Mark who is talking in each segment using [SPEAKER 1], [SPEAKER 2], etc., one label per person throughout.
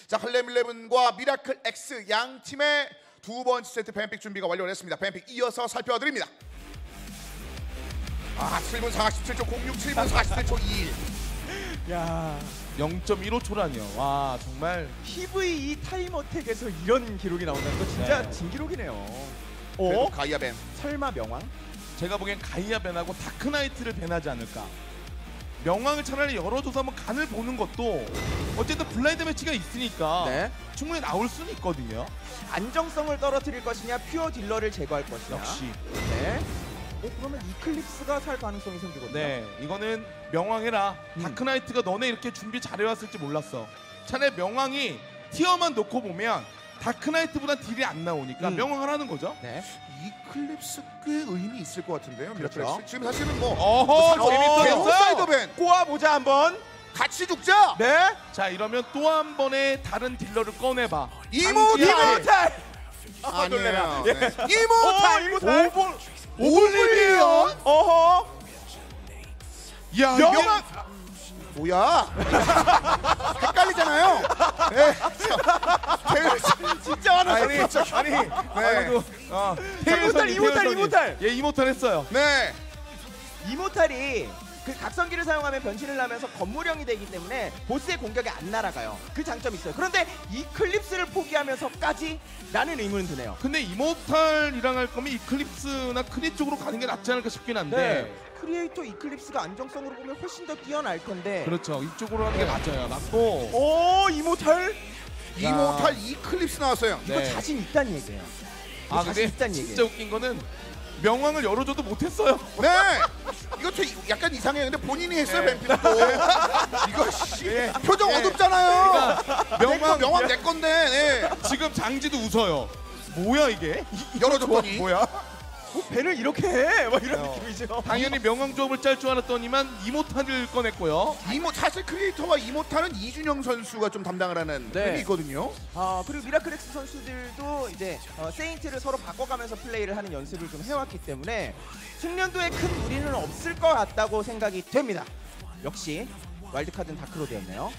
[SPEAKER 1] 자, 할렘 11과 미라클 X 양 팀의 두 번째 세트 뱀픽 준비가 완료됐습니다. 뱀픽 이어서 살펴드립니다. 7분 47초 06, 7분 47초 21.
[SPEAKER 2] 야,
[SPEAKER 3] 0.15초라니요. 와, 정말
[SPEAKER 2] PVE 타임어택에서 이런 기록이 나온다는 거 진짜
[SPEAKER 3] 네.
[SPEAKER 2] 진기록이네요.
[SPEAKER 1] 그래도 가이아 뱀.
[SPEAKER 2] 설마 명왕?
[SPEAKER 3] 제가 보기엔 가이아 벤하고 다크나이트를 벤하지 않을까. 명왕을 차라리 열어줘서 한번 간을 보는 것도 어쨌든 블라인드 매치가 있으니까
[SPEAKER 2] 네.
[SPEAKER 3] 충분히 나올 수는 있거든요.
[SPEAKER 2] 안정성을 떨어뜨릴 것이냐, 퓨어 딜러를 제거할 것이냐.
[SPEAKER 3] 역시.
[SPEAKER 2] 네. 그러면 이클립스가 살 가능성이 생기거든요.
[SPEAKER 3] 네, 이거는 명왕해라.
[SPEAKER 2] 음.
[SPEAKER 3] 다크나이트가 너네 이렇게 준비 잘해왔을지 몰랐어. 차라리 명왕이 티어만 놓고 보면 다크나이트보다 딜이 안 나오니까 명왕을 하는 거죠.
[SPEAKER 2] 네.
[SPEAKER 1] 이클립스 꽤 의미 있을 것 같은데요. 미라클
[SPEAKER 2] 그렇죠.
[SPEAKER 1] X. 지금 사실은 뭐
[SPEAKER 3] 어허,
[SPEAKER 1] 재밌어요. 사이드
[SPEAKER 3] 재밌어요.
[SPEAKER 1] 벤
[SPEAKER 2] 꼬아보자 한번.
[SPEAKER 1] 같이 죽자.
[SPEAKER 2] 네.
[SPEAKER 3] 자, 이러면 또 한 번의 다른 딜러를 꺼내봐.
[SPEAKER 1] 이모탈.
[SPEAKER 2] 놀래라.
[SPEAKER 1] 아니에요. 네. 이모탈. 오블리비언.
[SPEAKER 2] 어허.
[SPEAKER 3] 야,
[SPEAKER 2] 명왕.
[SPEAKER 1] 뭐야? 헷갈리잖아요. 네.
[SPEAKER 2] 진짜 화났어.
[SPEAKER 1] 아니, 네.
[SPEAKER 2] 이모탈.
[SPEAKER 3] 예, 이모탈 했어요.
[SPEAKER 1] 네.
[SPEAKER 2] 이모탈이 그 각성기를 사용하면 변신을 하면서 건물형이 되기 때문에 보스의 공격이 안 날아가요. 그 장점이 있어요. 그런데 이클립스를 포기하면서까지 라는 의문은 드네요.
[SPEAKER 3] 근데 이모탈이랑 할 거면 이클립스나 크리 쪽으로 가는 게 낫지 않을까 싶긴 한데.
[SPEAKER 2] 크리에이터 이클립스가 안정성으로 보면 훨씬 더 뛰어날 텐데.
[SPEAKER 3] 그렇죠. 이쪽으로 하는 게 맞아요. 맞고.
[SPEAKER 2] 오, 이모탈.
[SPEAKER 1] 이모탈 이클립스 나왔어요.
[SPEAKER 2] 이거 자신 있다는 얘기예요.
[SPEAKER 3] 아,
[SPEAKER 2] 자신
[SPEAKER 3] 근데
[SPEAKER 2] 있다는
[SPEAKER 3] 진짜
[SPEAKER 2] 얘기예요.
[SPEAKER 3] 웃긴 거는 명왕을 열어줘도 못했어요.
[SPEAKER 1] 네. 이것도 약간 이상해요. 근데 본인이 했어요, 뱀피도. 이거 씨. 표정 어둡잖아요. 명왕 내 건데. 네.
[SPEAKER 3] 지금 장지도 웃어요. 뭐야 이게?
[SPEAKER 1] 열어줬더니.
[SPEAKER 3] 뭐야?
[SPEAKER 2] 배를 이렇게 해. 막 이런 느낌이죠.
[SPEAKER 3] 당연히 명왕 조합을 짤 줄 알았더니만 이모탈을 꺼냈고요.
[SPEAKER 1] 사실 크리에이터와 이모탈은 이준영 선수가 좀 담당을 하는
[SPEAKER 2] 네.
[SPEAKER 1] 팀이 있거든요.
[SPEAKER 2] 그리고 미라클엑스 선수들도 이제 세인트를 서로 바꿔가면서 플레이를 하는 연습을 좀 해왔기 때문에 숙련도에 큰 무리는 없을 것 같다고 생각이 됩니다. 역시 와일드카드는 다크로드였네요.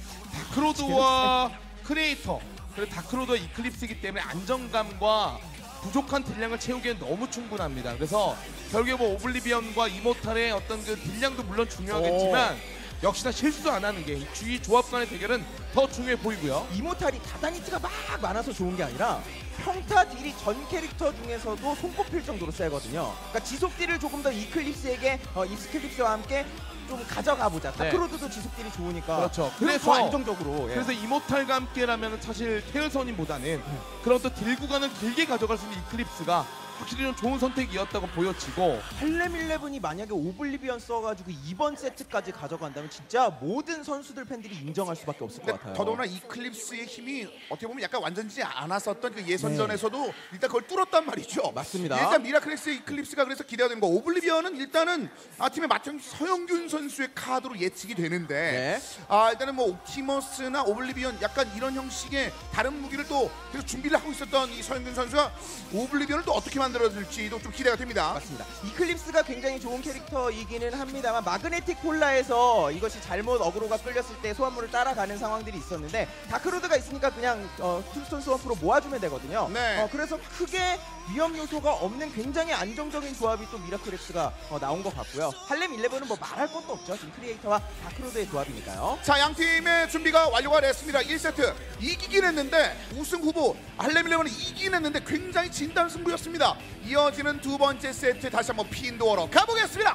[SPEAKER 3] 다크로드와 크리에이터, 그리고 다크로드와 이클립스이기 때문에 안정감과 부족한 딜량을 채우기엔 너무 충분합니다. 그래서 결국에 뭐 오블리비언과 이모탈의 어떤 그 딜량도 물론 중요하겠지만 역시나 실수도 안 하는 게 이 조합 간의 대결은 더 중요해 보이고요.
[SPEAKER 2] 이모탈이 다다니트가 막 많아서 좋은 게 아니라 평타 딜이 전 캐릭터 중에서도 손꼽힐 정도로 세거든요. 그러니까 지속 딜을 조금 더 이클립스에게 이클립스와 함께 좀 가져가 보자. 다크로드도 지속 딜이 좋으니까.
[SPEAKER 3] 그렇죠.
[SPEAKER 2] 그래서 더 안정적으로. 예.
[SPEAKER 3] 그래서 이모탈과 함께라면 사실 테일선임보다는 그런 또 딜 구간을 길게 가져갈 수 있는 이클립스가 확실히 좀 좋은 선택이었다고 보여지고,
[SPEAKER 2] 할렘 11이 만약에 오블리비언 써가지고 이번 세트까지 가져간다면 진짜 모든 선수들 팬들이 인정할 수밖에 없을 것 같아요.
[SPEAKER 1] 더더구나 이클립스의 힘이 어떻게 보면 약간 완전지 않았었던 그 예선전에서도 일단 그걸 뚫었단 말이죠.
[SPEAKER 2] 맞습니다.
[SPEAKER 1] 일단 미라클엑스의 이클립스가 그래서 기대가 되는 거. 오블리비언은 일단은 팀의 맏형 서영균 선수의 카드로 예측이 되는데 일단은 뭐 옵티머스나 오블리비언 약간 이런 형식의 다른 무기를 또 계속 준비를 하고 있었던 이 서영균 선수가 오블리비언을 또 어떻게 만들어줄지도 좀 기대가 됩니다.
[SPEAKER 2] 맞습니다. 이클립스가 굉장히 좋은 캐릭터이기는 합니다만 마그네틱 폴라에서 이것이 잘못 어그로가 끌렸을 때 소환물을 따라가는 상황들이 있었는데 다크로드가 있으니까 그냥 툴스톤 스워프로 모아주면 되거든요.
[SPEAKER 1] 네.
[SPEAKER 2] 그래서 크게 위험 요소가 없는 굉장히 안정적인 조합이 또 미라클엑스가 나온 것 같고요. 할렘 11은 뭐 말할 것도 없죠. 지금 크리에이터와 다크로드의 조합이니까요.
[SPEAKER 1] 자, 양 팀의 준비가 완료가 됐습니다. 1세트 이기긴 했는데 우승 후보 할렘 11은 이기긴 했는데 굉장히 진단 승부였습니다. 이어지는 두 번째 세트 다시 한번 핀도어로 가보겠습니다.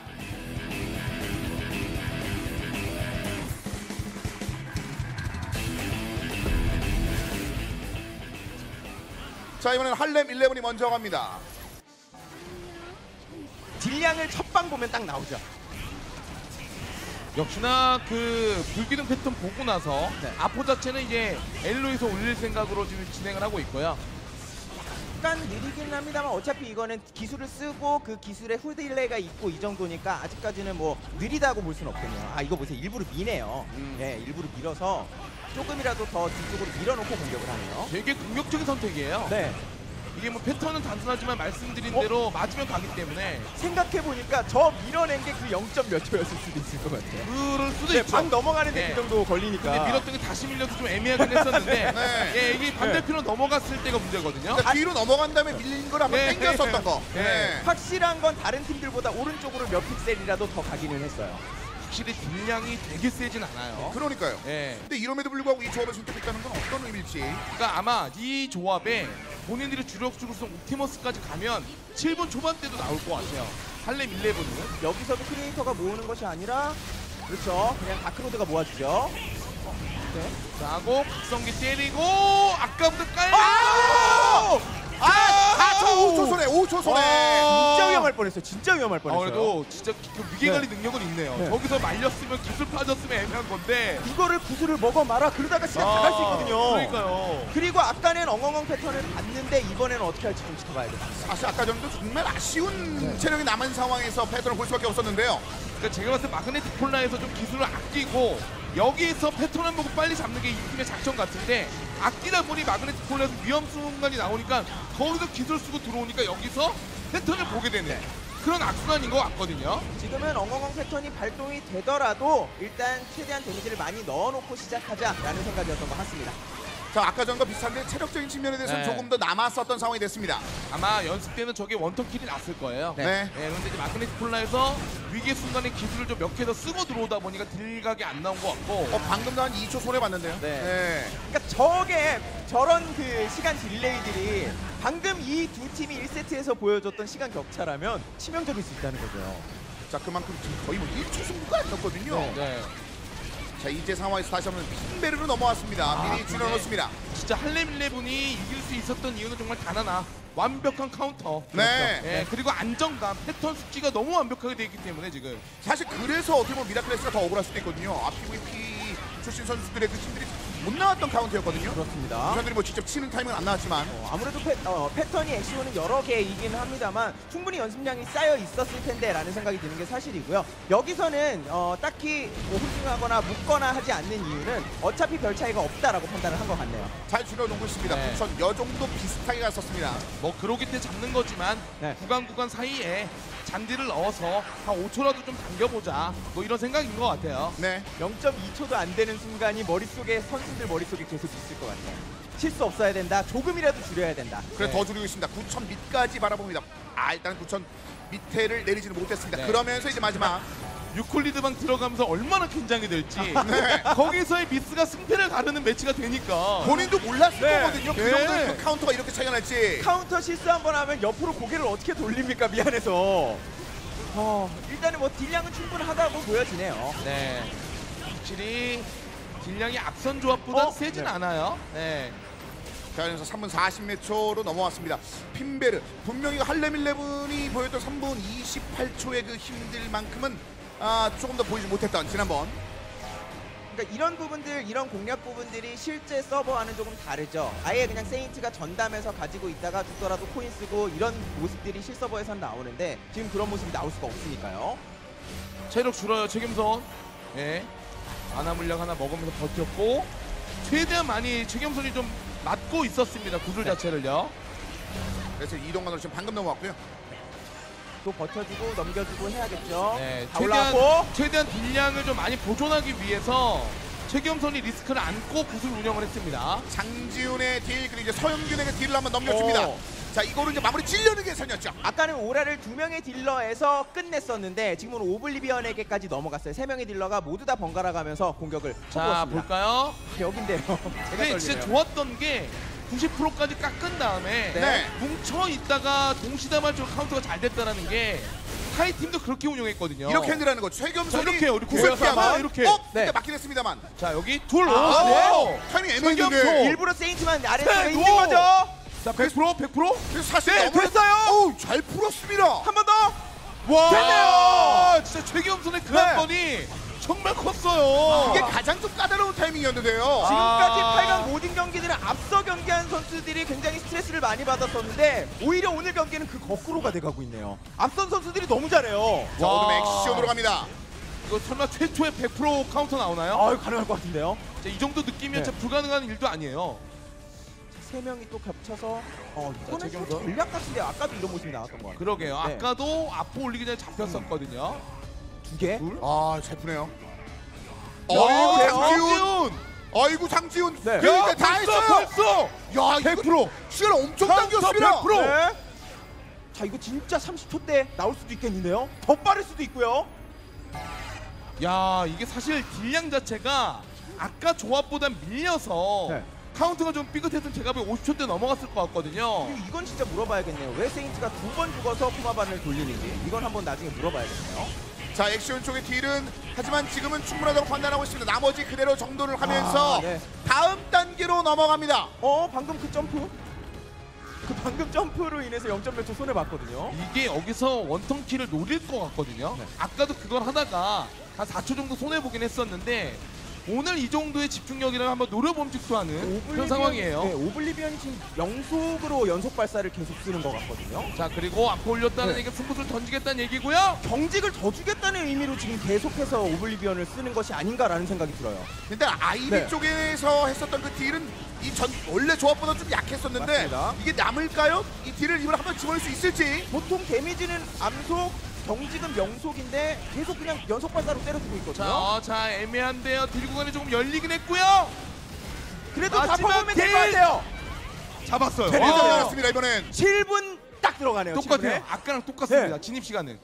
[SPEAKER 1] 자, 이번에는 할렘 11이 먼저 갑니다.
[SPEAKER 2] 딜량을 첫 방 보면 딱 나오죠.
[SPEAKER 3] 역시나 그 불기둥 패턴 보고 나서 아포 자체는 이제 엘로에서 올릴 생각으로 지금 진행을 하고 있고요.
[SPEAKER 2] 약간 느리긴 합니다만 어차피 이거는 기술을 쓰고 그 기술에 후딜레이가 있고 이 정도니까 아직까지는 뭐 느리다고 볼 수는 없군요. 이거 보세요. 일부러 미네요. 네, 일부러 밀어서 조금이라도 더 뒤쪽으로 밀어놓고 공격을 하네요.
[SPEAKER 3] 되게 공격적인 선택이에요.
[SPEAKER 2] 네.
[SPEAKER 3] 이게 뭐 패턴은 단순하지만 말씀드린 대로 맞으면 가기 때문에
[SPEAKER 2] 생각해보니까 저 밀어낸 게 그 0. 몇 초였을 수도 있을 것 같아요.
[SPEAKER 3] 그럴 수도
[SPEAKER 2] 네,
[SPEAKER 3] 있죠.
[SPEAKER 2] 방 넘어가는데
[SPEAKER 3] 네.
[SPEAKER 2] 그 정도 걸리니까.
[SPEAKER 3] 근데 밀었던 게 다시 밀려서 좀 애매하긴 했었는데
[SPEAKER 1] 네.
[SPEAKER 3] 예, 이게 반대편으로 넘어갔을 때가 문제거든요.
[SPEAKER 1] 그러니까 뒤로 넘어간 다음에 밀린 걸 한번
[SPEAKER 3] 네.
[SPEAKER 1] 땡겼었던 거.
[SPEAKER 3] 네.
[SPEAKER 1] 네.
[SPEAKER 2] 확실한 건 다른 팀들보다 오른쪽으로 몇 픽셀이라도 더 가기는 했어요.
[SPEAKER 3] 확실히 딜량이 되게 세진 않아요.
[SPEAKER 1] 그러니까요.
[SPEAKER 3] 예.
[SPEAKER 1] 근데 이럼에도 불구하고 이 조합을 선택했다는 건 어떤 의미일지.
[SPEAKER 3] 그러니까 아마 이 조합에 본인들이 주력수로 쓴 옵티머스까지 가면 7분 초반대도 나올 것 같아요. 할렘 11은.
[SPEAKER 2] 여기서도 크리에이터가 모으는 것이 아니라 그렇죠. 그냥 다크로드가 모아주죠. 네.
[SPEAKER 3] 자, 하고 박성기 때리고 아까부터 깔고
[SPEAKER 1] 저 5초 손에 5초 손에.
[SPEAKER 2] 진짜 위험할 뻔했어요. 진짜 위험할 뻔했어요.
[SPEAKER 3] 그래도 진짜 그 위계관리 능력은 있네요.
[SPEAKER 2] 네.
[SPEAKER 3] 저기서 말렸으면 기술 빠졌으면 애매한 건데.
[SPEAKER 2] 이거를 구슬을 먹어 말아 그러다가 시간 다 갈 수 있거든요.
[SPEAKER 3] 그러니까요.
[SPEAKER 2] 그리고 아까는 엉엉엉 패턴을 봤는데 이번에는 어떻게 할지 좀 지켜봐야 됩니다.
[SPEAKER 1] 사실 아까 전도 정말 아쉬운 체력이 남은 상황에서 패턴을 볼 수밖에 없었는데요.
[SPEAKER 3] 그러니까 제가 봤을 때 마그네틱 폴라에서 좀 기술을 아끼고 여기에서 패턴 한 보고 빨리 잡는 게 이 팀의 작전 같은데 아끼다 보니 마그네틱 폴라에서 위험 순간이 나오니까 거기서 기술 쓰고 들어오니까 여기서 패턴을 보게 되는 그런 악순환인 것 같거든요.
[SPEAKER 2] 지금은 엉엉엉 패턴이 발동이 되더라도 일단 최대한 데미지를 많이 넣어놓고 시작하자라는 생각이었던 것 같습니다.
[SPEAKER 1] 자, 아까 전과 비슷한데 체력적인 측면에 대해서는
[SPEAKER 3] 네.
[SPEAKER 1] 조금 더 남았었던 상황이 됐습니다.
[SPEAKER 3] 아마 연습 때는 저게 원턴킬이 났을 거예요.
[SPEAKER 1] 네.
[SPEAKER 3] 그런데 이제 마그네틱 폴라에서 위기의 순간에 기술을 좀 몇 개 더 쓰고 들어오다 보니까 딜각이 안 나온 것 같고
[SPEAKER 1] 방금도 한 2초 손해 봤는데요.
[SPEAKER 2] 네. 그러니까 저게 저런 그 시간 딜레이들이 방금 이 두 팀이 1세트에서 보여줬던 시간 격차라면 치명적일 수 있다는 거죠.
[SPEAKER 1] 자, 그만큼 지금 거의 뭐 1초 승부가 아니었거든요.
[SPEAKER 3] 네.
[SPEAKER 1] 자, 이제 상황에서 다시 한번 핀베르로 넘어왔습니다. 미리
[SPEAKER 3] 근데
[SPEAKER 1] 줄여놓습니다.
[SPEAKER 3] 진짜 할렘 11이 이길 수 있었던 이유는 정말 단 하나. 완벽한 카운터.
[SPEAKER 1] 네.
[SPEAKER 3] 예, 그리고 안정감, 패턴 숙지가 너무 완벽하게 돼 있기 때문에 지금.
[SPEAKER 1] 사실 그래서 어떻게 보면 미라클래스가 더 억울할 수도 있거든요. PVP 출신 선수들의 그 팀들이 못 나왔던 카운트였거든요.
[SPEAKER 2] 그렇습니다.
[SPEAKER 1] 선수들이 뭐 직접 치는 타임은 안 나왔지만
[SPEAKER 2] 아무래도 패턴이 엑시오는 여러 개이긴 합니다만 충분히 연습량이 쌓여 있었을 텐데 라는 생각이 드는 게 사실이고요. 여기서는 딱히 뭐 홀딩하거나 묶거나 하지 않는 이유는 어차피 별 차이가 없다라고 판단을 한 것 같네요.
[SPEAKER 1] 잘 줄여놓고 있습니다.
[SPEAKER 3] 네.
[SPEAKER 1] 부천 여 정도 비슷하게 갔었습니다.
[SPEAKER 3] 뭐 그러기 때 잡는 거지만
[SPEAKER 2] 네.
[SPEAKER 3] 구간 사이에 잔디를 넣어서 한 5초라도 좀 당겨보자. 뭐 이런 생각인 것 같아요.
[SPEAKER 1] 네.
[SPEAKER 2] 0.2초도 안 되는 순간이 머릿속에 선수들 머릿속에 계속 있을 것 같아요. 실수 없어야 된다. 조금이라도 줄여야 된다.
[SPEAKER 1] 그래서
[SPEAKER 3] 네.
[SPEAKER 1] 더 줄이고 있습니다. 9천 밑까지 바라봅니다. 일단 9천 밑에를 내리지는 못했습니다.
[SPEAKER 3] 네.
[SPEAKER 1] 그러면서 이제 마지막
[SPEAKER 3] 유콜리드방 들어가면서 얼마나 긴장이 될지
[SPEAKER 1] 네.
[SPEAKER 3] 거기서의 미스가 승패를 가르는 매치가 되니까
[SPEAKER 1] 본인도 몰랐을
[SPEAKER 2] 네.
[SPEAKER 1] 거거든요. 그
[SPEAKER 3] 네.
[SPEAKER 1] 정도의 그 카운터가 이렇게 차이가 날지.
[SPEAKER 2] 카운터 실수 한 번 하면 옆으로 고개를 어떻게 돌립니까? 미안해서. 일단은 뭐 딜량은 충분하다고 보여지네요.
[SPEAKER 3] 네. 확실히 딜량이 앞선 조합보다 세진
[SPEAKER 2] 네.
[SPEAKER 3] 않아요. 네.
[SPEAKER 1] 자, 그래서 3분 40몇 초로 넘어왔습니다. 핀베르 분명히 할렘 11이 보였던 3분 28초의 그 힘들 만큼은 조금 더 보이지 못했던 지난번.
[SPEAKER 2] 그러니까 이런 부분들, 이런 공략 부분들이 실제 서버와는 조금 다르죠. 아예 그냥 세인트가 전담해서 가지고 있다가 죽더라도 코인 쓰고 이런 모습들이 실서버에선 나오는데 지금 그런 모습이 나올 수가 없으니까요.
[SPEAKER 3] 체력 줄어요. 최겸선. 네. 아나 물약 하나 먹으면서 버텼고 최대한 많이 최겸선이 좀 맞고 있었습니다. 구슬
[SPEAKER 2] 네.
[SPEAKER 3] 자체를요.
[SPEAKER 1] 그래서 이동관으로 지금 방금 넘어왔고요.
[SPEAKER 2] 또 버텨주고 넘겨주고 해야겠죠.
[SPEAKER 3] 네.
[SPEAKER 2] 다 올라왔고.
[SPEAKER 3] 최대한 딜량을 좀 많이 보존하기 위해서 최겸선이 리스크를 안고 구슬 운영을 했습니다.
[SPEAKER 1] 장지훈의 딜 그리고 이제 서영균에게 딜을 한번 넘겨줍니다. 자, 이거를 이제 마무리 찌려는 계산이었죠.
[SPEAKER 2] 아까는 오라를 2명의 딜러에서 끝냈었는데 지금은 오블리비언에게까지 넘어갔어요. 3명의 딜러가 모두 다 번갈아 가면서 공격을
[SPEAKER 3] 자,
[SPEAKER 2] 쳐보았습니다.
[SPEAKER 3] 볼까요?
[SPEAKER 2] 여긴데요. 제가
[SPEAKER 3] 근데 진짜
[SPEAKER 2] 떨리네요.
[SPEAKER 3] 좋았던 게 90%까지 깎은 다음에
[SPEAKER 1] 네.
[SPEAKER 3] 뭉쳐 있다가 동시다발적으로 카운터가 잘 됐다는 게 타이 팀도 그렇게 운영했거든요.
[SPEAKER 1] 이렇게 핸들하는 거죠. 최겸선이
[SPEAKER 3] 이렇게 우리
[SPEAKER 1] 구슬
[SPEAKER 3] 구슬
[SPEAKER 1] 피하고
[SPEAKER 3] 이렇게.
[SPEAKER 1] 근데
[SPEAKER 2] 네.
[SPEAKER 1] 맞긴 했습니다만.
[SPEAKER 3] 자, 여기 둘.
[SPEAKER 2] 네.
[SPEAKER 3] 오!
[SPEAKER 1] 타이밍
[SPEAKER 3] 최겸선.
[SPEAKER 1] 애매했는데.
[SPEAKER 2] 일부러 세인트만 아래로
[SPEAKER 3] 네,
[SPEAKER 2] 있는
[SPEAKER 3] 노!
[SPEAKER 2] 거죠.
[SPEAKER 3] 자, 100%? 100%?
[SPEAKER 1] 그래서 사실
[SPEAKER 3] 네,
[SPEAKER 1] 너무
[SPEAKER 3] 됐어요.
[SPEAKER 1] 어우, 잘 풀었습니다.
[SPEAKER 2] 한 번 더.
[SPEAKER 3] 와!
[SPEAKER 2] 됐네요.
[SPEAKER 3] 진짜 최겸선의 그
[SPEAKER 2] 네.
[SPEAKER 3] 한 번이 정말 컸어요.
[SPEAKER 1] 이게 가장 좀 까다로운 타이밍이었는데요.
[SPEAKER 2] 지금까지
[SPEAKER 3] 아.
[SPEAKER 2] 8강 모든 경기들은 앞서 경기한 선수들이 굉장히 스트레스를 많이 받았었는데 오히려 오늘 경기는 그 거꾸로가 돼가고 있네요. 앞선 선수들이 너무 잘해요.
[SPEAKER 1] 자,
[SPEAKER 3] 와.
[SPEAKER 1] 오늘 액션으로 갑니다.
[SPEAKER 3] 이거 설마 최초의 100% 카운터 나오나요?
[SPEAKER 2] 아유 가능할 것 같은데요.
[SPEAKER 3] 이 정도 느끼면
[SPEAKER 2] 네.
[SPEAKER 3] 진짜 불가능한 일도 아니에요.
[SPEAKER 2] 세 명이 또 겹쳐서 이거는
[SPEAKER 3] 최경선.
[SPEAKER 2] 전략 같은데 아까도 이런 모습이 나왔던 것 같아요.
[SPEAKER 3] 그러게요.
[SPEAKER 2] 네.
[SPEAKER 3] 아까도 앞으로 올리기 전에 잡혔었거든요.
[SPEAKER 2] 두 개.
[SPEAKER 1] 아, 잘 푸네요.
[SPEAKER 2] 야,
[SPEAKER 1] 어이구,
[SPEAKER 2] 네.
[SPEAKER 1] 장지훈. 아이고, 장지훈.
[SPEAKER 2] 네.
[SPEAKER 1] 그러니까 다 했어요.
[SPEAKER 3] 벌써.
[SPEAKER 1] 야, 100%. 시간 엄청 당겼습니다.
[SPEAKER 3] 100%.
[SPEAKER 2] 네. 자, 이거 진짜 30초 때 나올 수도 있겠는데요. 더 빠를 수도 있고요.
[SPEAKER 3] 야, 이게 사실 딜량 자체가 아까 조합보다 밀려서
[SPEAKER 2] 네.
[SPEAKER 3] 카운트가 좀 삐끗했던 제가 보기 50초 대 넘어갔을 것 같거든요.
[SPEAKER 2] 그리고 이건 진짜 물어봐야겠네요. 왜 세인트가 두 번 죽어서 코마반을 돌리는지 이건 한번 나중에 물어봐야겠네요.
[SPEAKER 1] 자, 액션 쪽의 딜은 하지만 지금은 충분하다고 판단하고 있습니다. 나머지 그대로 정돈을 하면서
[SPEAKER 2] 네.
[SPEAKER 1] 다음 단계로 넘어갑니다.
[SPEAKER 2] 방금 그 점프? 그 방금 점프로 인해서 0점 몇 초 손해 봤거든요.
[SPEAKER 3] 이게 여기서 원턴키를 노릴 것 같거든요.
[SPEAKER 2] 네.
[SPEAKER 3] 아까도 그걸 하다가 한 4초 정도 손해보긴 했었는데 오늘 이 정도의 집중력이라면 한번 노려봄직도 하는 그런 상황이에요.
[SPEAKER 2] 네, 오블리비언이 지금 영속으로 연속 발사를 계속 쓰는 것 같거든요.
[SPEAKER 3] 자, 그리고 앞으로 올렸다는
[SPEAKER 2] 네.
[SPEAKER 3] 얘기는 승부수를 던지겠다는 얘기고요.
[SPEAKER 2] 경직을 더 주겠다는 의미로 지금 계속해서 오블리비언을 쓰는 것이 아닌가라는 생각이 들어요.
[SPEAKER 1] 근데 아이비
[SPEAKER 2] 네.
[SPEAKER 1] 쪽에서 했었던 그 딜은 원래 조합보다 좀 약했었는데
[SPEAKER 2] 맞습니다.
[SPEAKER 1] 이게 남을까요? 이 딜을 이걸 한번 집어넣을 수 있을지.
[SPEAKER 2] 보통 데미지는 암속, 경직은 명속인데 계속 그냥 연속 발사로 때려주고 있거든요.
[SPEAKER 3] 자, 애매한데요. 딜 구간이 조금 열리긴 했고요.
[SPEAKER 2] 그래도 다
[SPEAKER 3] 마지막
[SPEAKER 2] 퍼보면 될 것
[SPEAKER 3] 딜!
[SPEAKER 2] 같아요.
[SPEAKER 3] 잡았어요.
[SPEAKER 1] 대리도
[SPEAKER 2] 와.
[SPEAKER 1] 나왔습니다 이번엔.
[SPEAKER 2] 7분 딱 들어가네요.
[SPEAKER 3] 똑같아요.
[SPEAKER 2] 7분에.
[SPEAKER 3] 아까랑 똑같습니다.
[SPEAKER 2] 네.
[SPEAKER 3] 진입 시간은.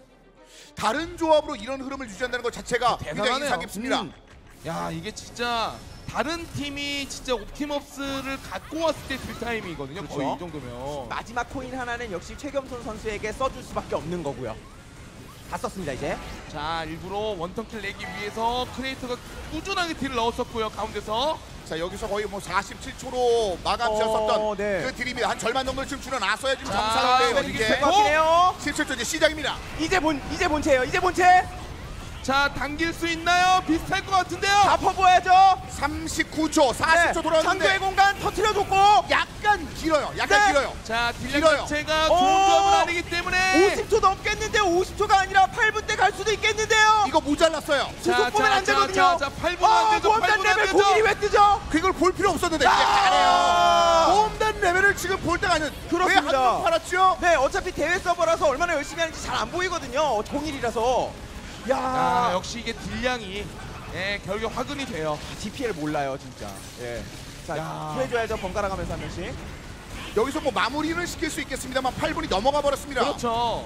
[SPEAKER 1] 다른 조합으로 이런 흐름을 유지한다는 것 자체가 굉장히
[SPEAKER 3] 대단하네요.
[SPEAKER 1] 인상 깊습니다.
[SPEAKER 3] 야, 이게 진짜 다른 팀이 진짜 옵티머스를 갖고 왔을 때 딜타임이거든요.
[SPEAKER 2] 그렇죠.
[SPEAKER 3] 거의 이 정도면.
[SPEAKER 2] 마지막 코인 하나는 역시 최겸손 선수에게 써줄 수밖에 없는 거고요. 다 썼습니다 이제.
[SPEAKER 3] 자, 일부러 원턴킬 내기 위해서 크리에이터가 꾸준하게 딜을 넣었었고요. 가운데서.
[SPEAKER 1] 자, 여기서 거의 뭐 47초로 마감 지었었던
[SPEAKER 2] 네.
[SPEAKER 1] 그 딜입니다. 한 절반 정도를 지금 줄여놨어야 지금
[SPEAKER 3] 자,
[SPEAKER 1] 정상인데요.
[SPEAKER 3] 이게
[SPEAKER 1] 이게
[SPEAKER 2] 될것 같긴 해요.
[SPEAKER 1] 17초 이제 시작입니다.
[SPEAKER 2] 이제 본체예요. 이제 본체.
[SPEAKER 3] 자, 당길 수 있나요? 비슷할 것 같은데요.
[SPEAKER 2] 다 퍼보야죠.
[SPEAKER 1] 39초, 40초
[SPEAKER 2] 상대의
[SPEAKER 1] 돌아왔는데
[SPEAKER 2] 공간 터트려줬고
[SPEAKER 1] 약간 길어요. 약간
[SPEAKER 2] 네.
[SPEAKER 1] 길어요.
[SPEAKER 3] 자, 딜량
[SPEAKER 1] 길어요.
[SPEAKER 3] 자체가
[SPEAKER 2] 오!
[SPEAKER 3] 좋은 조합은 아니기 때문에
[SPEAKER 2] 50초 넘겠는데요. 50초가 아니라 8분 때 갈 수도 있겠는데요.
[SPEAKER 1] 이거 모자랐어요.
[SPEAKER 2] 구속 보면 안 되거든요.
[SPEAKER 3] 자, 8분 안 되죠.
[SPEAKER 2] 보험단
[SPEAKER 3] 8분 안
[SPEAKER 2] 레벨
[SPEAKER 3] 되죠.
[SPEAKER 2] 공일이 왜 뜨죠?
[SPEAKER 1] 그걸 볼 필요 없었는데 이게
[SPEAKER 2] 아!
[SPEAKER 1] 가네요. 보험단 레벨을 지금 볼 때가 아니는
[SPEAKER 2] 그렇습니다.
[SPEAKER 1] 왜 한번 팔았죠?
[SPEAKER 2] 네, 어차피 대회 서버라서 얼마나 열심히 하는지 잘 안 보이거든요. 공일이라서. 야,
[SPEAKER 3] 아, 역시 이게 딜량이 결국 화근이 돼요.
[SPEAKER 2] DPL 몰라요, 진짜. 예. 자,
[SPEAKER 3] 야.
[SPEAKER 2] 해줘야죠. 번갈아 가면서 한 명씩.
[SPEAKER 1] 여기서 뭐 마무리는 시킬 수 있겠습니다만 8분이 넘어가 버렸습니다.
[SPEAKER 3] 그렇죠.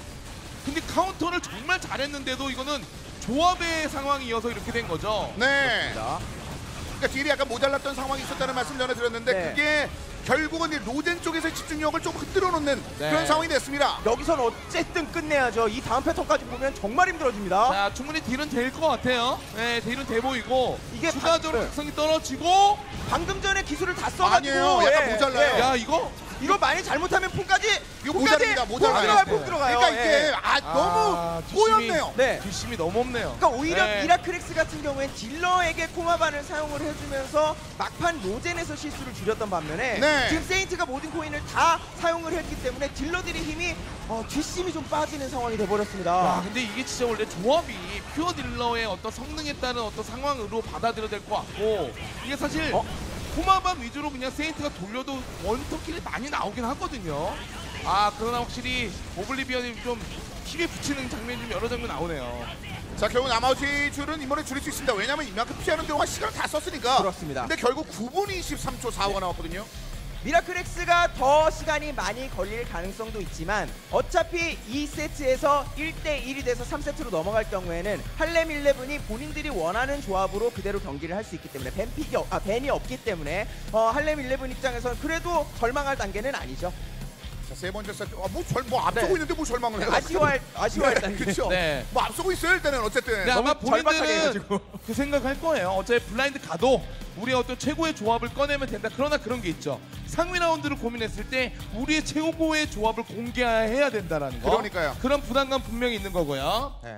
[SPEAKER 3] 근데 카운터를 정말 잘했는데도 이거는 조합의 상황이 이어서 이렇게 된 거죠.
[SPEAKER 1] 네.
[SPEAKER 2] 자,
[SPEAKER 1] 그러니까 딜이 약간 모자랐던 상황이 있었다는 말씀 전해드렸는데
[SPEAKER 2] 네.
[SPEAKER 1] 그게 결국은 이 로젠 쪽에서의 집중력을 좀 흔들어 놓는
[SPEAKER 3] 네.
[SPEAKER 1] 그런 상황이 됐습니다.
[SPEAKER 2] 여기선 어쨌든 끝내야죠. 이 다음 패턴까지 보면 정말 힘들어집니다.
[SPEAKER 3] 자, 충분히 딜은 될 것 같아요. 네, 딜은 돼 보이고
[SPEAKER 2] 이게
[SPEAKER 3] 추가적으로
[SPEAKER 2] 네.
[SPEAKER 3] 각성이 떨어지고
[SPEAKER 2] 방금 전에 기술을 다 써가지고
[SPEAKER 1] 아니에요. 약간 모자라요.
[SPEAKER 3] 야, 이거
[SPEAKER 2] 이거 많이 잘못하면 폰까지
[SPEAKER 1] 이거 모자랍니다. 모자라요.
[SPEAKER 2] 들어가요.
[SPEAKER 3] 네.
[SPEAKER 2] 폰 들어가요.
[SPEAKER 1] 그러니까 이게
[SPEAKER 2] 예.
[SPEAKER 1] 너무
[SPEAKER 3] 뒷심이-
[SPEAKER 1] 꼬였네요.
[SPEAKER 2] 네.
[SPEAKER 3] 뒷심이 너무 없네요.
[SPEAKER 2] 그러니까 오히려
[SPEAKER 3] 네.
[SPEAKER 2] 미라클엑스 같은 경우엔 딜러에게 코마반을 사용을 해주면서 막판 로젠에서 실수를 줄였던 반면에
[SPEAKER 1] 네.
[SPEAKER 2] 지금 세인트가 모든 코인을 다 사용을 했기 때문에 딜러들의 힘이 뒷심이 좀 빠지는 상황이
[SPEAKER 3] 야,
[SPEAKER 2] 돼버렸습니다.
[SPEAKER 3] 근데 이게 진짜 원래 조합이 퓨어 딜러의 어떤 성능에 따른 어떤 상황으로 받아들여야 될 것 같고 이게 사실 코마밤 위주로 그냥 세인트가 돌려도 원터킬이 많이 나오긴 하거든요. 아, 그러나 확실히 오블리비언이 좀 힘에 붙이는 장면이 좀 여러 장면 나오네요.
[SPEAKER 1] 자, 결국 나머지 줄은 이번에 줄일 수 있습니다. 왜냐면 이만큼 피하는 동안 시간을 다 썼으니까.
[SPEAKER 2] 그렇습니다.
[SPEAKER 1] 근데 결국 9분 23초 4호가 나왔거든요.
[SPEAKER 2] 미라클엑스가 더 시간이 많이 걸릴 가능성도 있지만 어차피 2세트에서 1대1이 돼서 3세트로 넘어갈 경우에는 할렘 11이 본인들이 원하는 조합으로 그대로 경기를 할 수 있기 때문에 벤이 없기 때문에 할렘 11 입장에서는 그래도 절망할 단계는 아니죠.
[SPEAKER 1] 자, 세 번째 세트. 뭐 앞서고
[SPEAKER 2] 네.
[SPEAKER 1] 있는데 뭐 절망을 해요.
[SPEAKER 2] 아쉬워할 단계.
[SPEAKER 1] 그렇죠.
[SPEAKER 3] 네.
[SPEAKER 1] 뭐 앞서고 있어요 일단은 어쨌든.
[SPEAKER 3] 네, 아마
[SPEAKER 2] 너무 절박하게
[SPEAKER 3] 본인들은
[SPEAKER 2] 해가지고.
[SPEAKER 3] 그 생각할 거예요. 어차피 블라인드 가도 우리의 어떤 최고의 조합을 꺼내면 된다. 그러나 그런 게 있죠. 상위 라운드를 고민했을 때 우리의 최고의 조합을 공개해야 된다라는 거.
[SPEAKER 1] 그러니까요.
[SPEAKER 3] 그런 부담감 분명히 있는 거고요.
[SPEAKER 2] 네.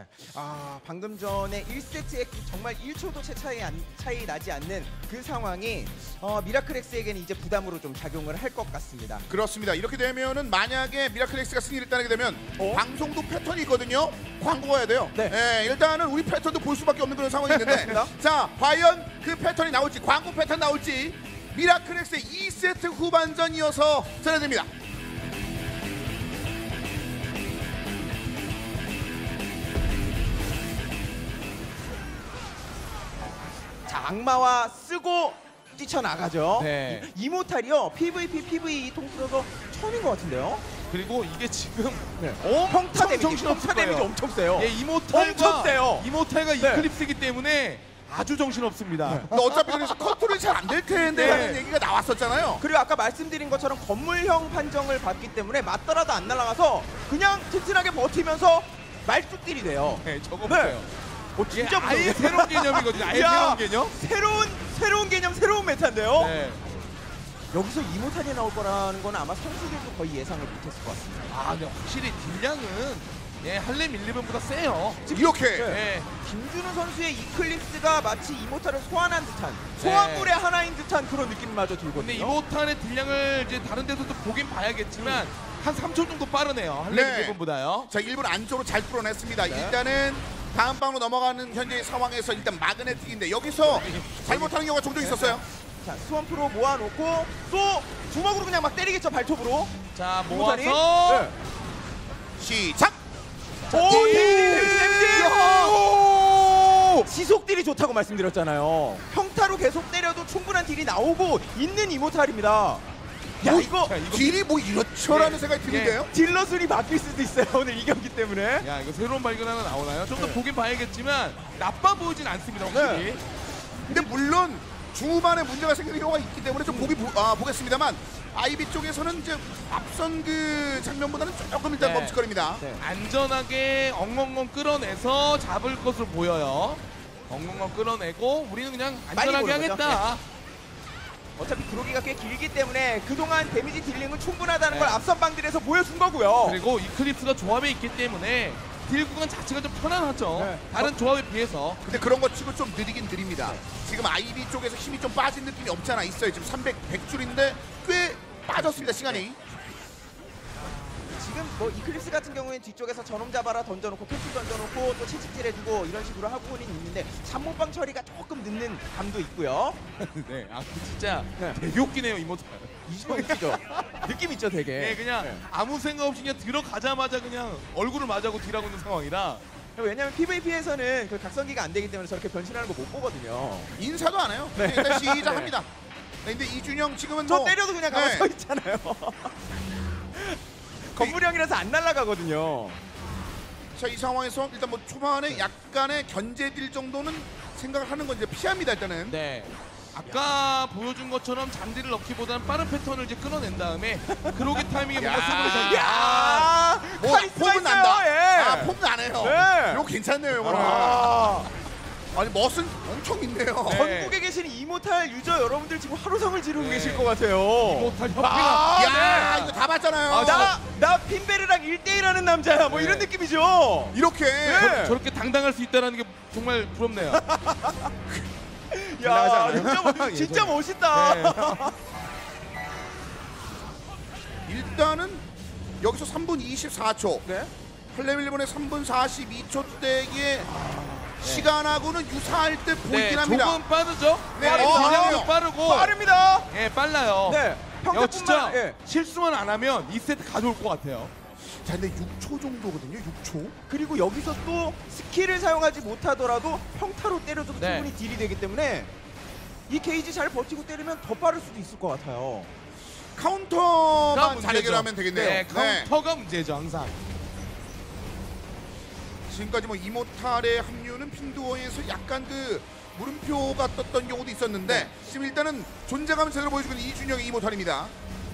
[SPEAKER 2] 방금 전에 1세트에 정말 1초도 차이 나지 않는 그 상황이 미라클엑스에게는 이제 부담으로 좀 작용을 할 것 같습니다.
[SPEAKER 1] 그렇습니다. 이렇게 되면은 만약에 미라클엑스가 승리를 따내게 되면 방송도 패턴이 있거든요. 광고가 해야 돼요.
[SPEAKER 2] 네.
[SPEAKER 1] 일단은 우리 패턴도 볼 수밖에 없는 그런 상황이 있는데 자, 과연 그 패턴이 나올지 광고 패턴 나올지 미라클엑스의 2세트 후반전 이어서 전해드립니다.
[SPEAKER 2] 자, 악마와 쓰고 뛰쳐나가죠.
[SPEAKER 3] 네.
[SPEAKER 2] 이모탈이요. PVP, PVE 통틀어서 처음인 것 같은데요.
[SPEAKER 3] 그리고 이게 지금
[SPEAKER 2] 네.
[SPEAKER 3] 엄청
[SPEAKER 2] 평타 데미지,
[SPEAKER 3] 정신없을
[SPEAKER 2] 평타 데미지
[SPEAKER 3] 거예요.
[SPEAKER 2] 엄청 세요.
[SPEAKER 3] 예,
[SPEAKER 2] 엄청 세요.
[SPEAKER 3] 이모탈과
[SPEAKER 2] 네.
[SPEAKER 3] 이클립스이기 때문에 아주 정신없습니다.
[SPEAKER 1] 근데 어차피 그래서 컨트롤이 잘 안 될 텐데
[SPEAKER 3] 네.
[SPEAKER 1] 라는 얘기가 나왔었잖아요.
[SPEAKER 2] 그리고 아까 말씀드린 것처럼 건물형 판정을 받기 때문에 맞더라도 안 날아가서 그냥 튼튼하게 버티면서 말뚝딜이 돼요.
[SPEAKER 3] 네, 저거
[SPEAKER 2] 네.
[SPEAKER 3] 보세요.
[SPEAKER 2] 진짜
[SPEAKER 3] 이게 아예
[SPEAKER 2] 무서워요.
[SPEAKER 3] 새로운 개념이거든요. 아예
[SPEAKER 2] 야,
[SPEAKER 3] 새로운 개념.
[SPEAKER 2] 새로운 개념, 새로운 메타인데요.
[SPEAKER 3] 네.
[SPEAKER 2] 여기서 이모탄이 나올 거라는 건 아마 선수들도 거의 예상을 못했을 것 같습니다.
[SPEAKER 3] 아, 근데 확실히 딜량은 예, 할렘 11번보다 세요.
[SPEAKER 1] 이렇게
[SPEAKER 3] 네.
[SPEAKER 2] 김준우 선수의 이클립스가 마치 이모탈을 소환한 듯한 소환물의 하나인 듯한 그런 느낌마저 들거든요.
[SPEAKER 3] 근데 이모탄의 딜량을 이제 다른 데서도 보긴 봐야겠지만 한 3초 정도 빠르네요. 할렘
[SPEAKER 1] 네.
[SPEAKER 3] 11번보다요.
[SPEAKER 1] 자, 1분 안쪽으로 잘 뚫어냈습니다.
[SPEAKER 2] 네.
[SPEAKER 1] 일단은 다음 방으로 넘어가는 현재 상황에서 일단 마그네틱인데 여기서 잘못하는 경우가 종종 있었어요.
[SPEAKER 2] 자, 수원프로 모아놓고 또 주먹으로 그냥 막 때리겠죠, 발톱으로.
[SPEAKER 3] 자,
[SPEAKER 2] 이모탄이.
[SPEAKER 3] 모아서
[SPEAKER 2] 네.
[SPEAKER 1] 시작!
[SPEAKER 2] 오,
[SPEAKER 1] 야!
[SPEAKER 2] 지속 딜이 좋다고 말씀드렸잖아요. 평타로 계속 때려도 충분한 딜이 나오고 있는 이모탈입니다. 야, 이거
[SPEAKER 3] 자, 이거
[SPEAKER 1] 딜이 뭐 이렇죠라는
[SPEAKER 3] 예,
[SPEAKER 1] 생각이 드는데요.
[SPEAKER 2] 딜러술이 바뀔 수도 있어요, 오늘 이 경기 때문에.
[SPEAKER 3] 야, 이거 새로운 발견 하나 나오나요? 좀 더
[SPEAKER 2] 네.
[SPEAKER 3] 보긴 봐야겠지만 나빠 보이진 않습니다. 확실히.
[SPEAKER 2] 네.
[SPEAKER 1] 근데 물론 중후반에 문제가 생기는 경우가 있기 때문에 좀 보겠습니다만 아이비 쪽에서는 이제 앞선 그 장면보다는 조금 일단
[SPEAKER 3] 네.
[SPEAKER 1] 멈칫거립니다.
[SPEAKER 2] 네.
[SPEAKER 3] 안전하게 엉엉엉 끌어내서 잡을 것으로 보여요. 엉엉엉 끌어내고 우리는 그냥
[SPEAKER 2] 빨리
[SPEAKER 3] 안전하게
[SPEAKER 2] 보는 거죠.
[SPEAKER 3] 하겠다.
[SPEAKER 2] 어차피 그로기가 꽤 길기 때문에 그동안 데미지 딜링은 충분하다는
[SPEAKER 3] 네.
[SPEAKER 2] 걸 앞선 방들에서 보여준 거고요.
[SPEAKER 3] 그리고 이클립스가 조합에 있기 때문에 딜 구간 자체가 좀 편안하죠.
[SPEAKER 2] 네.
[SPEAKER 3] 다른 조합에 비해서.
[SPEAKER 1] 근데 그런 거 치고 좀 느리긴 느립니다. 지금 아이비 쪽에서 힘이 좀 빠진 느낌이 없잖아 있어요. 지금 100줄인데 꽤 빠졌습니다 시간이.
[SPEAKER 2] 지금 뭐 이클립스 같은 경우에는 뒤쪽에서 저놈 잡아라 던져놓고 캡슐 던져놓고 또 채찍질 해주고 이런 식으로 하고는 있는데 삼모방 처리가 조금 늦는 감도 있고요.
[SPEAKER 3] 네, 아, 그 진짜
[SPEAKER 2] 네.
[SPEAKER 3] 되게 웃기네요, 이모탈.
[SPEAKER 2] 이지방 있죠. 느낌 있죠, 되게.
[SPEAKER 3] 네, 그냥
[SPEAKER 2] 네.
[SPEAKER 3] 아무 생각 없이 그냥 들어가자마자 그냥 얼굴을 맞아고 딜하고 있는 상황이라.
[SPEAKER 2] 왜냐면 PVP에서는 그 각성기가 안 되기 때문에 저렇게 변신하는 거 못 보거든요.
[SPEAKER 1] 인사도 안 해요.
[SPEAKER 2] 네.
[SPEAKER 1] 일단 시작합니다. 네, 근데 이준영 지금은
[SPEAKER 2] 저
[SPEAKER 1] 뭐
[SPEAKER 2] 때려도 그냥 가만
[SPEAKER 1] 네.
[SPEAKER 2] 서 있잖아요. 건물형이라서 안 날아가거든요.
[SPEAKER 1] 자, 이 상황에서 일단 뭐 초반에 약간의 견제딜 정도는 생각을 하는 건 이제 피합니다 일단은.
[SPEAKER 3] 네. 아까 보여준 것처럼 잔디를 넣기보다는 빠른 패턴을 이제 끊어낸 다음에 그로기 타이밍에 뭔가
[SPEAKER 1] 야.
[SPEAKER 3] 승부를
[SPEAKER 2] 야,
[SPEAKER 1] 뭐
[SPEAKER 2] 카리스마
[SPEAKER 1] 폼은
[SPEAKER 2] 있어요.
[SPEAKER 1] 난다.
[SPEAKER 2] 예.
[SPEAKER 1] 아, 폼 나네요.
[SPEAKER 2] 네.
[SPEAKER 1] 이거 괜찮네요, 이거는.
[SPEAKER 2] 아,
[SPEAKER 1] 아니 멋은 엄청 있네요.
[SPEAKER 3] 네.
[SPEAKER 2] 전국에 계신 이모탈 유저 여러분들 지금 하루성을 지르고
[SPEAKER 3] 네.
[SPEAKER 2] 계실 것 같아요.
[SPEAKER 3] 이모탈 협회가
[SPEAKER 2] 아,
[SPEAKER 1] 야,
[SPEAKER 2] 네.
[SPEAKER 1] 이거 다 봤잖아요.
[SPEAKER 3] 아,
[SPEAKER 2] 나 핀베르랑 1대1하는 남자야. 뭐
[SPEAKER 3] 네.
[SPEAKER 2] 이런 느낌이죠.
[SPEAKER 1] 이렇게
[SPEAKER 2] 네.
[SPEAKER 3] 저렇게 당당할 수 있다는 게 정말 부럽네요.
[SPEAKER 2] 야,
[SPEAKER 1] 예,
[SPEAKER 2] 진짜 멋있다.
[SPEAKER 3] 네.
[SPEAKER 1] 일단은 여기서 3분 24초.
[SPEAKER 2] 네.
[SPEAKER 1] 할렘 일본의 3분 42초대의 시간하고는 유사할 듯 보이긴
[SPEAKER 3] 네,
[SPEAKER 1] 합니다.
[SPEAKER 3] 조금 빠르죠?
[SPEAKER 1] 네,
[SPEAKER 3] 진영도
[SPEAKER 1] 어,
[SPEAKER 3] 빠르고
[SPEAKER 2] 빠릅니다.
[SPEAKER 3] 예, 빨라요.
[SPEAKER 2] 네.
[SPEAKER 3] 야, 진짜
[SPEAKER 2] 평타뿐만 예.
[SPEAKER 3] 실수만 안 하면 2세트 가져올 것 같아요.
[SPEAKER 1] 자, 근데 6초 정도거든요. 6초.
[SPEAKER 2] 그리고 여기서 또 스킬을 사용하지 못하더라도 평타로 때려줘도
[SPEAKER 3] 네.
[SPEAKER 2] 충분히 딜이 되기 때문에 이 게이지 잘 버티고 때리면 더 빠를 수도 있을 것 같아요.
[SPEAKER 1] 카운터만 잘 해결하면 되겠네요.
[SPEAKER 3] 네, 카운터가 문제죠, 항상.
[SPEAKER 1] 지금까지 뭐 이모탈의 합류는 핀두어에서 약간 그 물음표가 떴던 경우도 있었는데
[SPEAKER 3] 네.
[SPEAKER 1] 지금 일단은 존재감을 제대로 보여주고 있는 이준영의 이모탈입니다.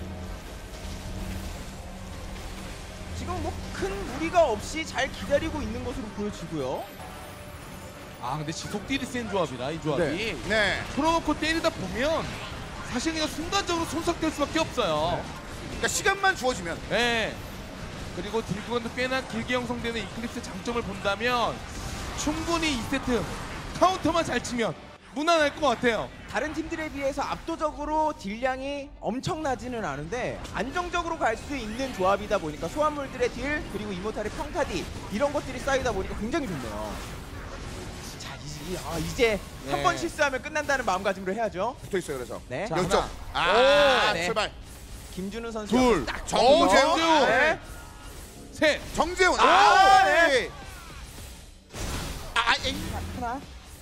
[SPEAKER 2] 지금 뭐 큰 무리가 없이 잘 기다리고 있는 것으로 보여지고요.
[SPEAKER 3] 아, 근데 지속 딜이 센 조합이라 이 조합이.
[SPEAKER 1] 네.
[SPEAKER 3] 풀어놓고 때리다 보면 사실 그냥 순간적으로 손석될 수밖에 없어요.
[SPEAKER 1] 그러니까 시간만 주어지면
[SPEAKER 3] 네. 그리고 딜 구간도 꽤나 길게 형성되는 이클립스의 장점을 본다면 충분히 2세트 카운터만 잘 치면 무난할 것 같아요.
[SPEAKER 2] 다른 팀들에 비해서 압도적으로 딜량이 엄청나지는 않은데 안정적으로 갈 수 있는 조합이다 보니까 소환물들의 딜 그리고 이모탈의 평타 딜 이런 것들이 쌓이다 보니까 굉장히 좋네요. 자, 이제
[SPEAKER 3] 네.
[SPEAKER 2] 한 번 실수하면 끝난다는 마음가짐으로 해야죠.
[SPEAKER 1] 붙어 있어요. 그래서
[SPEAKER 2] 네.
[SPEAKER 3] 자,
[SPEAKER 1] 열정.
[SPEAKER 3] 하나.
[SPEAKER 2] 네.
[SPEAKER 1] 출발.
[SPEAKER 2] 김준우 선수
[SPEAKER 3] 둘.
[SPEAKER 2] 딱
[SPEAKER 1] 정재훈.
[SPEAKER 3] 정재훈.
[SPEAKER 2] 네.
[SPEAKER 3] 셋.
[SPEAKER 1] 정재훈.
[SPEAKER 2] 네. 하나.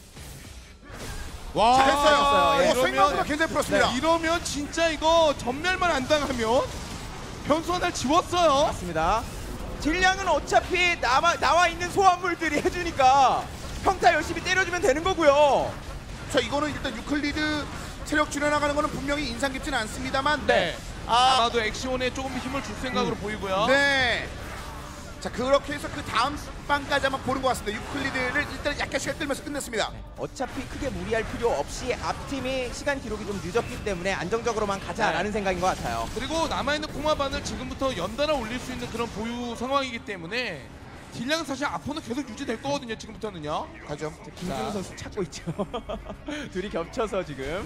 [SPEAKER 3] 와.
[SPEAKER 2] 잘했어요. 예.
[SPEAKER 1] 생각보다 굉장히 풀었습니다.
[SPEAKER 3] 이러면 진짜 이거 전멸만 안 당하면 변수 하나를 지웠어요.
[SPEAKER 2] 맞습니다. 딜량은 어차피 나와 있는 소환물들이 해주니까 평타 열심히 때려주면 되는 거고요.
[SPEAKER 1] 자, 이거는 일단 유클리드 체력 줄여나가는 거는 분명히 인상 깊지는 않습니다만
[SPEAKER 3] 네.
[SPEAKER 1] 아,
[SPEAKER 3] 아마도 엑시온에 조금 힘을 줄 생각으로 보이고요.
[SPEAKER 1] 네. 자, 그렇게 해서 그 다음 방까지 한번 보는 것 같습니다. 유클리드를 일단 약간 시간 끌면서 끝냈습니다.
[SPEAKER 2] 어차피 크게 무리할 필요 없이 앞팀이 시간 기록이 좀 늦었기 때문에 안정적으로만 가자라는
[SPEAKER 3] 네.
[SPEAKER 2] 생각인 것 같아요.
[SPEAKER 3] 그리고 남아있는 코마반을 지금부터 연달아 올릴 수 있는 그런 보유 상황이기 때문에 딜량은 사실 앞으로는 계속 유지될 거거든요. 지금부터는요.
[SPEAKER 1] 가죠.
[SPEAKER 2] 김준우
[SPEAKER 3] 자.
[SPEAKER 2] 선수 찾고 있죠. 둘이 겹쳐서 지금.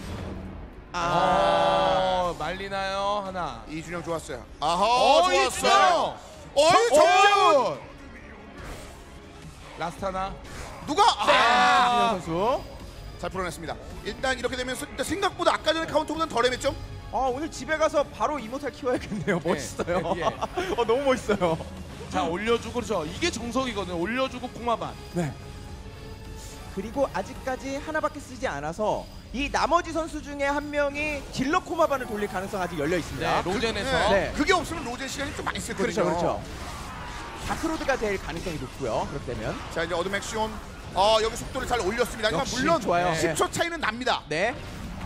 [SPEAKER 3] 말리나요? 하나.
[SPEAKER 1] 이준영 좋았어요. 아하, 좋았어요.
[SPEAKER 3] 이준영!
[SPEAKER 1] 정재훈.
[SPEAKER 3] 라스트 하나.
[SPEAKER 1] 누가?
[SPEAKER 2] 이준영 선수.
[SPEAKER 1] 잘 풀어냈습니다. 일단 이렇게 되면서 일단 생각보다 아까 전에 카운터보다는 덜 헤맸죠?
[SPEAKER 2] 오늘 집에 가서 바로 이모탈 키워야겠네요. 멋있어요.
[SPEAKER 3] 예.
[SPEAKER 2] 너무 멋있어요.
[SPEAKER 3] 자, 올려주고 그렇죠. 이게 정석이거든요. 올려주고 코마반.
[SPEAKER 2] 네. 그리고 아직까지 하나밖에 쓰지 않아서 이 나머지 선수 중에 한 명이 딜러 코마반을 돌릴 가능성 아직 열려 있습니다.
[SPEAKER 3] 네, 로젠에서.
[SPEAKER 2] 네.
[SPEAKER 1] 그게 없으면 로젠 시간이 좀 많이 쓸거든요.
[SPEAKER 2] 그렇죠, 그렇죠. 다크로드가 될 가능성이 높고요. 그렇기 때문에
[SPEAKER 1] 자, 이제 어둠 액션. 여기 속도를 잘 올렸습니다. 하지만
[SPEAKER 2] 역시
[SPEAKER 1] 물론
[SPEAKER 2] 좋아요.
[SPEAKER 1] 10초 차이는 납니다.
[SPEAKER 2] 네.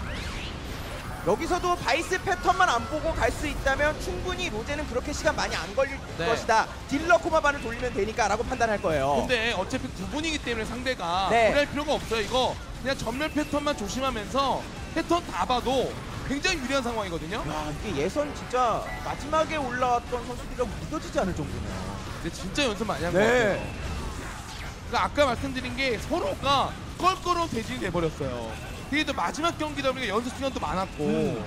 [SPEAKER 2] 여기서도 바이스 패턴만 안 보고 갈 수 있다면 충분히 로제는 그렇게 시간 많이 안 걸릴
[SPEAKER 3] 네.
[SPEAKER 2] 것이다. 딜러 코마반을 돌리면 되니까라고 판단할 거예요.
[SPEAKER 3] 근데 어차피 두 분이기 때문에 상대가
[SPEAKER 2] 네.
[SPEAKER 3] 무리할 필요가 없어요. 이거 그냥 전멸 패턴만 조심하면서 패턴 다 봐도 굉장히 유리한 상황이거든요.
[SPEAKER 2] 야, 이게 예선 진짜 마지막에 올라왔던 선수들이랑 믿어지지 않을 정도네요.
[SPEAKER 3] 근데 진짜 연습 많이 한
[SPEAKER 2] 네.
[SPEAKER 3] 것 같아요. 그러니까 아까 말씀드린 게 서로가 껄끄러운 대진이 돼버렸어요. 그게 또 마지막 경기다 보니까 연습 시간도 많았고.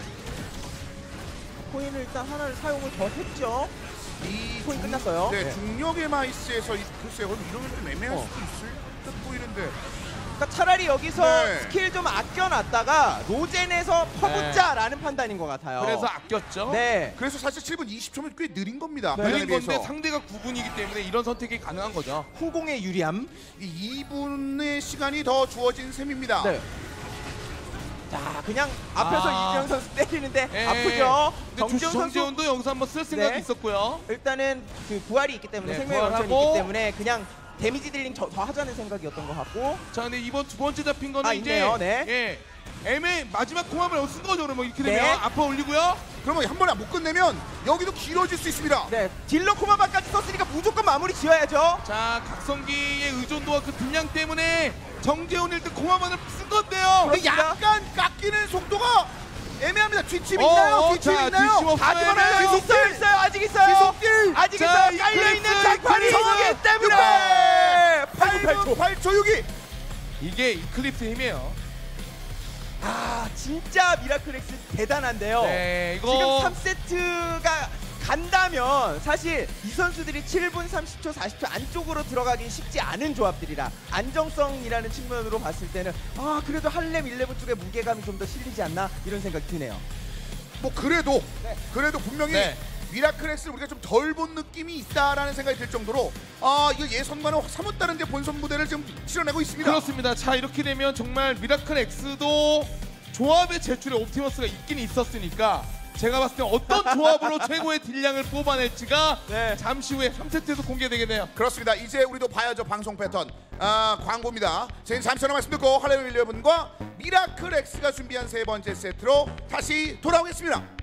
[SPEAKER 2] 코인을 일단 하나를 사용을 더 했죠.
[SPEAKER 1] 이
[SPEAKER 2] 코인 끝났어요.
[SPEAKER 1] 네,
[SPEAKER 2] 네.
[SPEAKER 1] 중력의 마이스에서 글쎄요. 그럼 이러면 좀 애매할
[SPEAKER 2] 어.
[SPEAKER 1] 수도 있을 듯 보이는데.
[SPEAKER 2] 그러니까 차라리 여기서
[SPEAKER 1] 네.
[SPEAKER 2] 스킬 좀 아껴놨다가 로젠에서 퍼붓자라는 판단인 것 같아요.
[SPEAKER 3] 그래서 아꼈죠.
[SPEAKER 2] 네.
[SPEAKER 1] 그래서 사실 7분 20초면 꽤 느린 겁니다.
[SPEAKER 2] 네.
[SPEAKER 1] 발전에
[SPEAKER 3] 느린 건데
[SPEAKER 1] 비해서.
[SPEAKER 3] 상대가 9분이기 때문에 이런 선택이 가능한 거죠.
[SPEAKER 2] 후공의 유리함.
[SPEAKER 1] 이 2분의 시간이 더 주어진 셈입니다.
[SPEAKER 2] 네. 자, 그냥 앞에서 이주영 선수 때리는데
[SPEAKER 3] 예.
[SPEAKER 2] 아프죠.
[SPEAKER 3] 근데
[SPEAKER 2] 정재훈 선수
[SPEAKER 3] 정재훈도 여기서 한번 쓸 생각이
[SPEAKER 2] 네.
[SPEAKER 3] 있었고요.
[SPEAKER 2] 일단은 그 부활이 있기 때문에
[SPEAKER 3] 네,
[SPEAKER 2] 생명의 원천이
[SPEAKER 3] 부활하고.
[SPEAKER 2] 있기 때문에 그냥 데미지 딜링 더 하자는 생각이었던 것 같고.
[SPEAKER 3] 자, 근데 이번 두 번째 잡힌 거는 이제
[SPEAKER 2] 있네요. 네.
[SPEAKER 3] 예, 애매 마지막 공합을 쓴 거죠. 그러면 이렇게 되면
[SPEAKER 2] 네.
[SPEAKER 3] 아파 올리고요.
[SPEAKER 1] 그러면 한 번에 못 끝내면 여기도 길어질 수 있습니다.
[SPEAKER 2] 네, 딜러 코마바까지 썼으니까 무조건 마무리 지어야죠.
[SPEAKER 3] 자, 각성기의 의존도와 그 분량 때문에 정재훈 1등 공합만을 쓴 건데요.
[SPEAKER 1] 근데
[SPEAKER 2] 그렇습니다.
[SPEAKER 1] 약간 깎이는 속도가 애매합니다. 뒷집 있나요? 뒷집
[SPEAKER 3] 자,
[SPEAKER 1] 있나요?
[SPEAKER 3] 뒷집 없어요.
[SPEAKER 1] 하지만
[SPEAKER 3] 애매해요.
[SPEAKER 2] 있어요, 아직 있어요.
[SPEAKER 1] 지속딜!
[SPEAKER 2] 아직
[SPEAKER 3] 자,
[SPEAKER 2] 있어요. 깔려 있는
[SPEAKER 3] 이클립스,
[SPEAKER 2] 장판이
[SPEAKER 3] 이클립스.
[SPEAKER 2] 정하기 때문에.
[SPEAKER 1] 8분 8초 6이.
[SPEAKER 3] 이게 이클립스 힘이에요.
[SPEAKER 2] 진짜 미라클엑스 대단한데요.
[SPEAKER 3] 네, 이거
[SPEAKER 2] 지금 3세트가 간다면 사실 이 선수들이 7분 30초 40초 안쪽으로 들어가긴 쉽지 않은 조합들이라 안정성이라는 측면으로 봤을 때는 그래도 할렘 11 쪽에 무게감이 좀 더 실리지 않나 이런 생각이 드네요.
[SPEAKER 1] 뭐 그래도
[SPEAKER 2] 네.
[SPEAKER 1] 그래도 분명히
[SPEAKER 3] 네.
[SPEAKER 1] 미라클엑스를 우리가 좀 덜 본 느낌이 있다라는 생각이 들 정도로 이거 예선과는 사뭇 다른데 본선 무대를 지금 치러내고 있습니다.
[SPEAKER 3] 그렇습니다. 자, 이렇게 되면 정말 미라클 X도 조합의 제출에 옵티머스가 있긴 있었으니까 제가 봤을 때 어떤 조합으로 최고의 딜량을 뽑아낼지가
[SPEAKER 2] 네.
[SPEAKER 3] 잠시 후에 3세트에서 공개되겠네요.
[SPEAKER 1] 그렇습니다. 이제 우리도 봐야죠. 방송 패턴. 광고입니다. 저희는 잠시 전에 말씀 듣고 할렘 윌리엄과 미라클엑스가 준비한 세 번째 세트로 다시 돌아오겠습니다.